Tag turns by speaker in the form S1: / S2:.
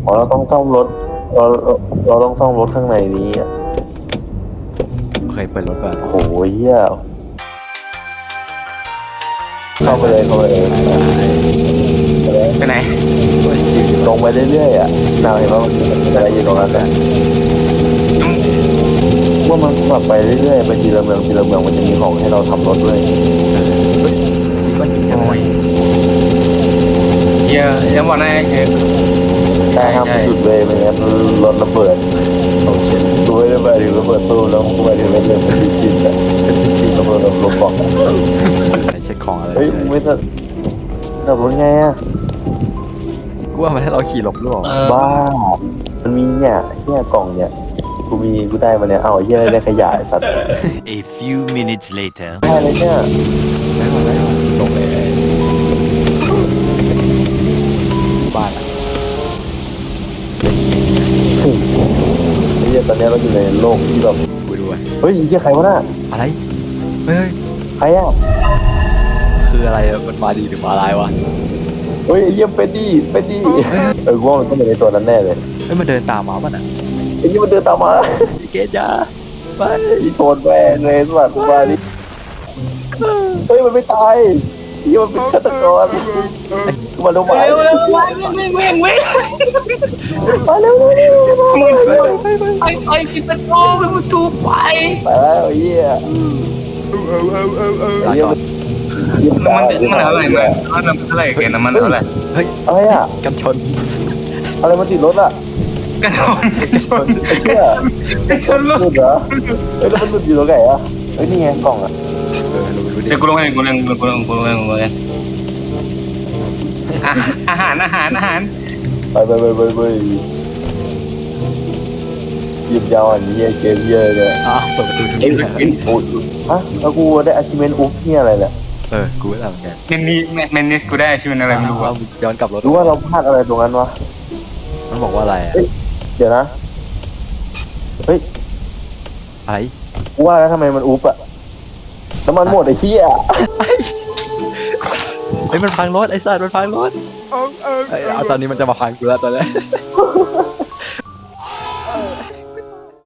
S1: อ๋อเราต้องซ่อมรถเราเราต้องซ่อมรถข้างในนี้อ่ะ
S2: เคยเปิดรถป่ะ
S1: โอ้โหเหี้ยเข้าไปเลยเข้าไปเลย
S3: ไปไหน
S2: โอ้ยชิวดี
S1: ล
S2: ว่ะ
S1: งไปเรื่อยๆอ่ะนาวเห็นว่ามันมีอะไรอยู่ตรงนั้นอ่ะว่ามันแบบไปเรื่อยๆไปทีละเมืองทีละเมืองมันจะมีของให้เราทำรถด้วย
S2: มันยิงอะไร
S3: โอ้ยเฮียยังบอกนะคือ
S1: ใช่ครับหยุดเลยไม่งั้นรถระเบิด
S2: โอเค
S1: ดูไม่ได้ไปถึงระเบิดตู้แล้วกูไปถึงระเบิดมันชินๆอ่ะ
S2: เป็นชิ้น
S1: ระเบิดแบบรถบอก
S2: ๆเช็คของอะไร
S1: เฮ้ยไม่ต้องขับรถไงอ่ะ
S2: กูว่ามันให้เราขี่หลบหรือเปล่า
S1: บ้ามันมีเนี่ยกล่องเนี่ยกูได้มาเนี่ยเอาเหี้ยอะไรได้ขยายสัตว์
S4: A few minutes later.
S1: ได้เลยเนี่ย
S2: ได้มาลงเลยบ้านอ่ะ
S1: ไอ้เหี้ยตอนนี้เราอยู่ในโลกที่แบบ
S2: กูดูไว้
S1: เฮ้ยไอ้เหี้ยใครวะน่ะ
S2: อะไรเฮ้ย
S1: ใครอ่ะ
S2: คืออะไรอะมันมาดีหรือมาร้ายวะ
S1: เฮ้ยไอ้เหี้ยเป็นดีกูว่ามันต้องเป็นในตัวนั้นแน่เลย
S2: เฮ้ยมันเดินตามมาป่ะน่ะ
S1: ไอ้เหี้ยมันเดินตามมา
S2: ไอ้เกดยาไป
S1: อีโทนแม่งเลยสัตว์มาดิเฮ้ยมันไม่ตายไอ้เหี้ยมันเป็นฆาตกรมาเร็วมา
S3: เร็วเร็ววิ่ง
S1: มาเร็ว
S3: ไปปิดประตูปิดประตูไป
S1: ไปแล้วไอ้เหี้ย
S2: ลาก่อน
S3: มันเท่าไหร่มันเท่าไหร่เกินน้ำมันเท่าไหร่
S2: เฮ้ย
S1: อะไรอ่ะ
S2: กันชน
S1: อะไรมาติดรถอ่ะ
S3: กระชอน
S1: ไอ้เหี้ย
S3: กระชอนลู
S1: หลุ
S3: ก
S1: ดเหรอเฮ้ยแล้วมันหลุดอยู่ตรงไหนอ่ะเฮ้ยนี่ไงกล่องอ่ะ
S2: ลงไปดูดิ
S3: เดี๋ยวกูลงเองอาหาร
S1: ไปหยิบยาวอันนี้เกมเยอะเลย
S2: อ้าวเปิดประตูทุก
S3: เอ็น
S2: ที
S3: เอ็น
S1: โอ้ยฮะแล้วกูได้ achievement อุ๊บเนี่ยอะไรเนี่ย
S2: กูก็ทำเหมือนกัน
S3: เมนนิสกูได้ชื่อมันอะไรไม่รู้
S2: ว่า
S3: อ่ะ
S2: ย้อนกลับรถ
S1: รู้ว่าเราพลาดอะไรตรงนั้นวะ
S2: มันบอกว่าอะไรอะ
S1: เดี๋ยวนะ เฮ้ย
S2: อะไร
S1: กูว่าแล้วทำไมมันอุ๊บอะน้ำมันหมดไอ้เหี้ย
S2: เฮ้ยมันพังรถไอ้สัตว์มันพังรถเอาตอนนี้มันจะมาพังกูแล้วตอนนี้